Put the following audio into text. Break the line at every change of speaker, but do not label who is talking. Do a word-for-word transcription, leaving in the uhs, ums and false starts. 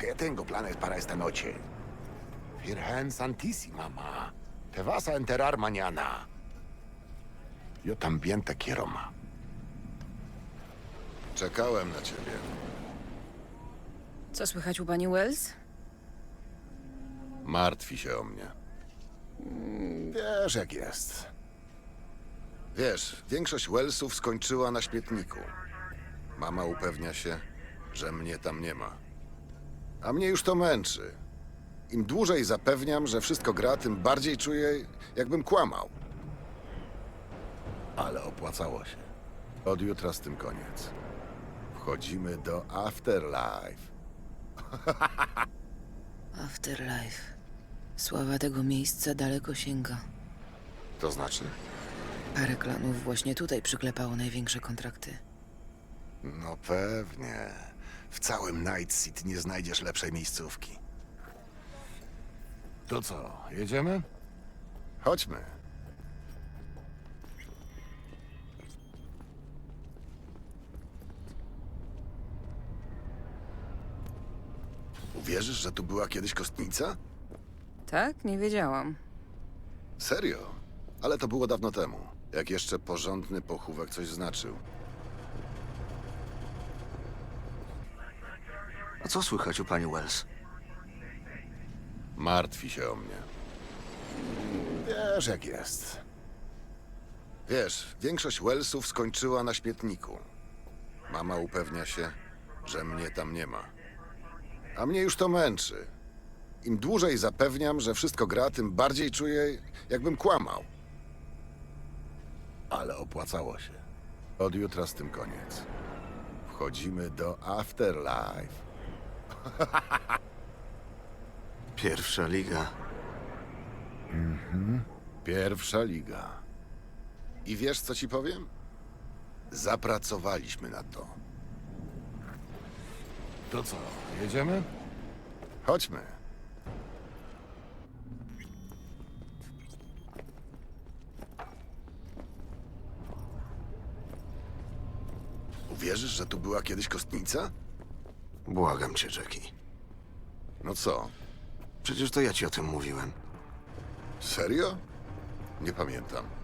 que tengo planes para esta noche. Virgen Santísima, ma. Te vas a enterar mañana. Yo también te quiero, ma.
Czekałem na ciebie.
Co słychać u pani Wells?
Martwi się o mnie.
Wiesz, jak jest.
Wiesz, większość Wellsów skończyła na śmietniku. Mama upewnia się, że mnie tam nie ma. A mnie już to męczy. Im dłużej zapewniam, że wszystko gra, tym bardziej czuję, jakbym kłamał. Ale opłacało się. Od jutra z tym koniec. Wchodzimy do Afterlife.
Afterlife. Sława tego miejsca daleko sięga.
To znaczy?
Parę klanów właśnie tutaj przyklepało największe kontrakty.
No pewnie. W całym Night City nie znajdziesz lepszej miejscówki. To co, jedziemy?
Chodźmy. Uwierzysz, że tu była kiedyś kostnica?
Tak? Nie wiedziałam.
Serio? Ale to było dawno temu, jak jeszcze porządny pochówek coś znaczył.
A co słychać u pani Wells?
Martwi się o mnie.
Wiesz, jak jest.
Wiesz, większość Wellsów skończyła na śmietniku. Mama upewnia się, że mnie tam nie ma. A mnie już to męczy. Im dłużej zapewniam, że wszystko gra, tym bardziej czuję, jakbym kłamał. Ale opłacało się. Od jutra z tym koniec. Wchodzimy do Afterlife.
Pierwsza liga.
Pierwsza liga. I wiesz, co ci powiem? Zapracowaliśmy na to.
To co, jedziemy?
Chodźmy. Uwierzysz, że tu była kiedyś kostnica?
Błagam cię, Jackie.
No co?
Przecież to ja ci o tym mówiłem.
Serio? Nie pamiętam.